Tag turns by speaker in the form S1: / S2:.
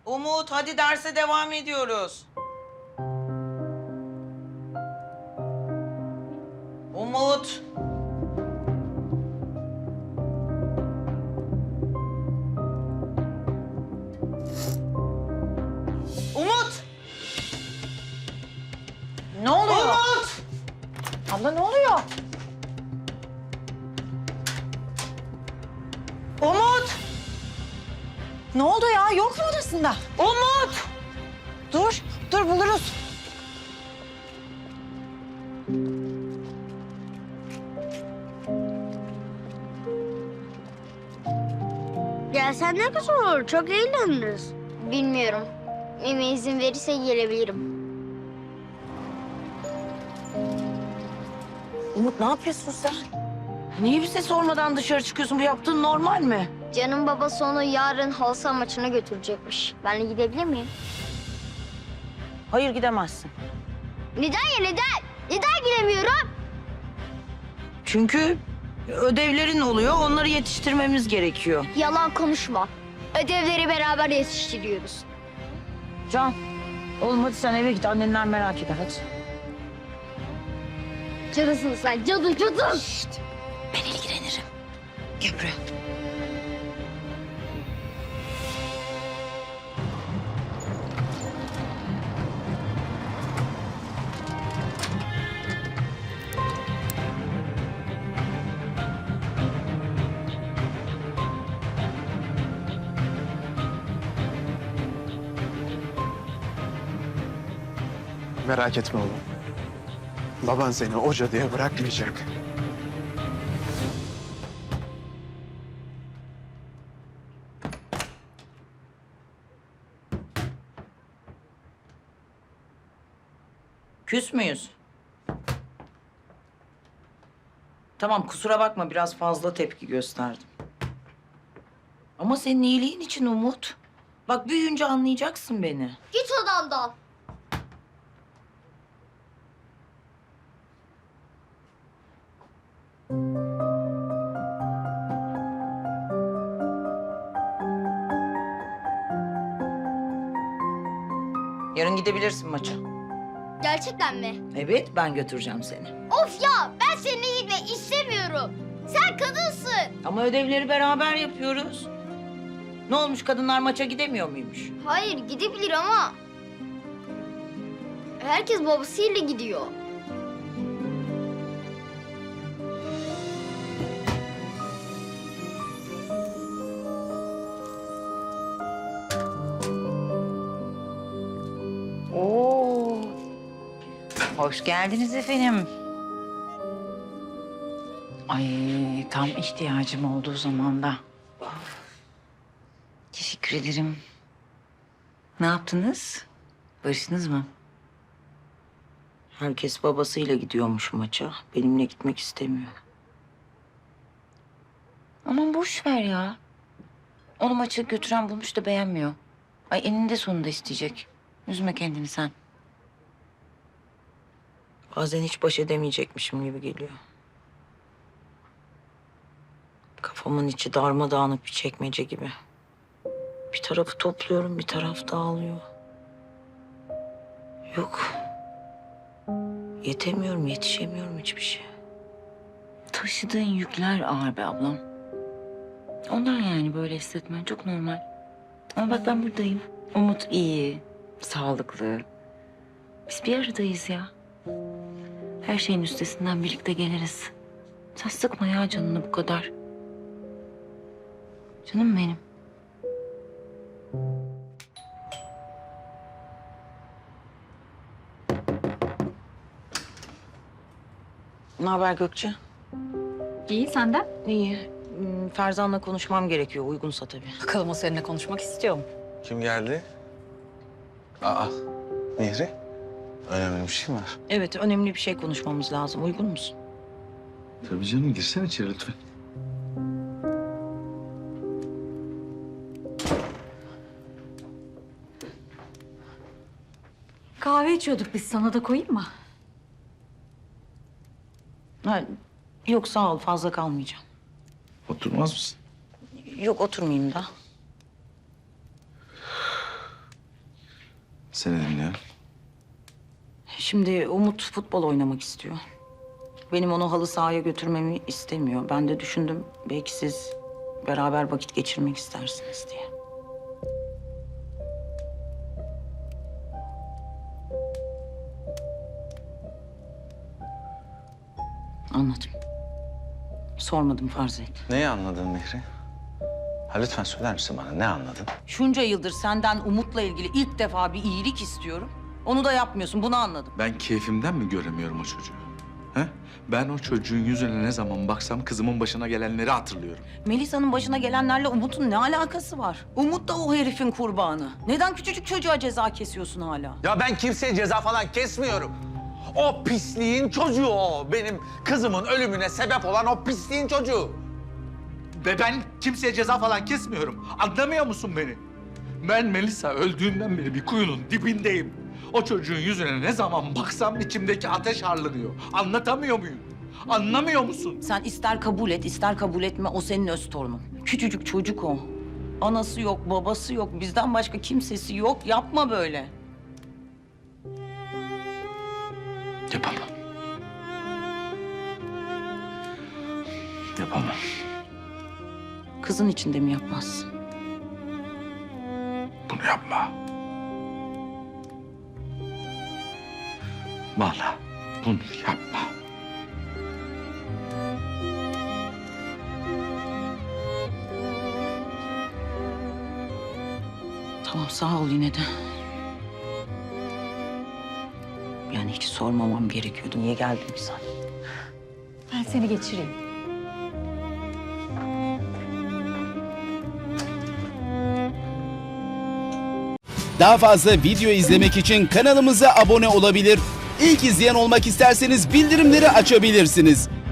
S1: Umut, hadi derse devam ediyoruz. Umut. Umut.
S2: Ne oluyor?
S1: Umut.
S2: Abla ne oluyor?
S1: Umut.
S2: Ne oldu ya? Yok mu odasında?
S1: Umut.
S2: Dur buluruz.
S3: Gelsen ne güzel olur. Çok eğleniriz. Bilmiyorum. Mime izin verirse gelebilirim.
S2: Umut ne yapıyorsun sen? Niye bize sormadan dışarı çıkıyorsun? Bu yaptığın normal mi?
S3: Can'ın babası onu yarın halı saha maçına götürecekmiş. Ben de gidebilir miyim?
S2: Hayır gidemezsin.
S3: Neden ya neden? Neden gidemiyorum?
S2: Çünkü ödevlerin oluyor. Onları yetiştirmemiz gerekiyor.
S3: Yalan konuşma. Ödevleri beraber yetiştiriyoruz.
S2: Can, oğlum hadi sen eve git. Annenler merak eder hadi.
S3: Cadısın sen. Cadı.
S2: Ben ilgilenirim. Gel buraya.
S4: Merak etme oğlum. Baban seni o cadıya bırakmayacak.
S1: Küs müyüz? Tamam, kusura bakma, biraz fazla tepki gösterdim. Ama senin iyiliğin için Umut. Bak, büyüyünce anlayacaksın beni.
S3: Git odamdan.
S1: Yarın gidebilirsin maça.
S3: Gerçekten mi?
S1: Evet, ben götüreceğim seni.
S3: Of ya ben seninle gitmek istemiyorum. Sen kadınsın.
S1: Ama ödevleri beraber yapıyoruz. Ne olmuş, kadınlar maça gidemiyor muymuş?
S3: Hayır gidebilir ama... Herkes babasıyla gidiyor.
S5: Oo. Hoş geldiniz efendim. Ay tam ihtiyacım olduğu zamanda. Teşekkür ederim. Ne yaptınız? Barıştınız mı?
S1: Herkes babasıyla gidiyormuş maça. Benimle gitmek istemiyor.
S5: Aman boş ver ya. Onu maça götüren bulmuş da beğenmiyor. Ay eninde sonunda isteyecek. Üzme kendini sen.
S1: Bazen hiç baş edemeyecekmişim gibi geliyor. Kafamın içi darmadağınık bir çekmece gibi. Bir tarafı topluyorum, bir taraf dağılıyor. Yok. Yetemiyorum, yetişemiyorum hiçbir şey.
S5: Taşıdığın yükler ağır be ablam. Ondan yani böyle hissetmen çok normal. Ama bak ben buradayım. Umut iyi, sağlıklı. Biz bir aradayız ya. Her şeyin üstesinden birlikte geliriz. Sen sıkma ya canını bu kadar. Canım benim.
S1: Ne haber Gökçe?
S6: İyi senden.
S1: İyi. Ferzan'la konuşmam gerekiyor. Uygunsa tabii.
S6: Bakalım o seninle konuşmak istiyor mu?
S4: Kim geldi? Aa, Mihri. Önemli bir şey mi var?
S1: Evet, önemli bir şey konuşmamız lazım. Uygun musun?
S4: Tabii canım, girsene içeri lütfen.
S6: Kahve içiyorduk biz, sana da koyayım mı?
S1: Ha, yok sağ ol, fazla kalmayacağım.
S4: Oturmaz mısın?
S1: Yok, oturmayayım da.
S4: Seni dinliyorum.
S1: Şimdi Umut futbol oynamak istiyor. Benim onu halı sahaya götürmemi istemiyor. Ben de düşündüm belki siz beraber vakit geçirmek istersiniz diye. Anladım. Sormadım, farz et.
S4: Neyi anladın Mihri? Ha, lütfen söyler misin bana, ne anladın?
S1: Şunca yıldır senden Umut'la ilgili ilk defa bir iyilik istiyorum. Onu da yapmıyorsun, bunu anladım.
S7: Ben keyfimden mi göremiyorum o çocuğu? He? Ben o çocuğun yüzüne ne zaman baksam kızımın başına gelenleri hatırlıyorum.
S1: Melisa'nın başına gelenlerle Umut'un ne alakası var? Umut da o herifin kurbanı. Neden küçücük çocuğa ceza kesiyorsun hala?
S4: Ya ben kimseye ceza falan kesmiyorum. O pisliğin çocuğu o. Benim kızımın ölümüne sebep olan o pisliğin çocuğu.
S7: Ve ben kimseye ceza falan kesmiyorum. Anlamıyor musun beni? Ben Melisa öldüğünden beri bir kuyunun dibindeyim. O çocuğun yüzüne ne zaman baksam içimdeki ateş harlanıyor. Anlatamıyor muyum? Anlamıyor musun?
S1: Sen ister kabul et, ister kabul etme, o senin öz torunun. Küçücük çocuk o. Anası yok, babası yok, bizden başka kimsesi yok. Yapma böyle.
S7: Yapamam. Yapamam.
S1: Kızın için de mi yapmazsın?
S7: Bunu yapma. Vallahi bunu yapma.
S1: Tamam, sağ ol yine de. Yani hiç sormamam gerekiyordu. Niye geldin ki sen?
S6: Ben seni geçireyim.
S8: Daha fazla video izlemek için kanalımıza abone olabilir. İlk izleyen olmak isterseniz bildirimleri açabilirsiniz.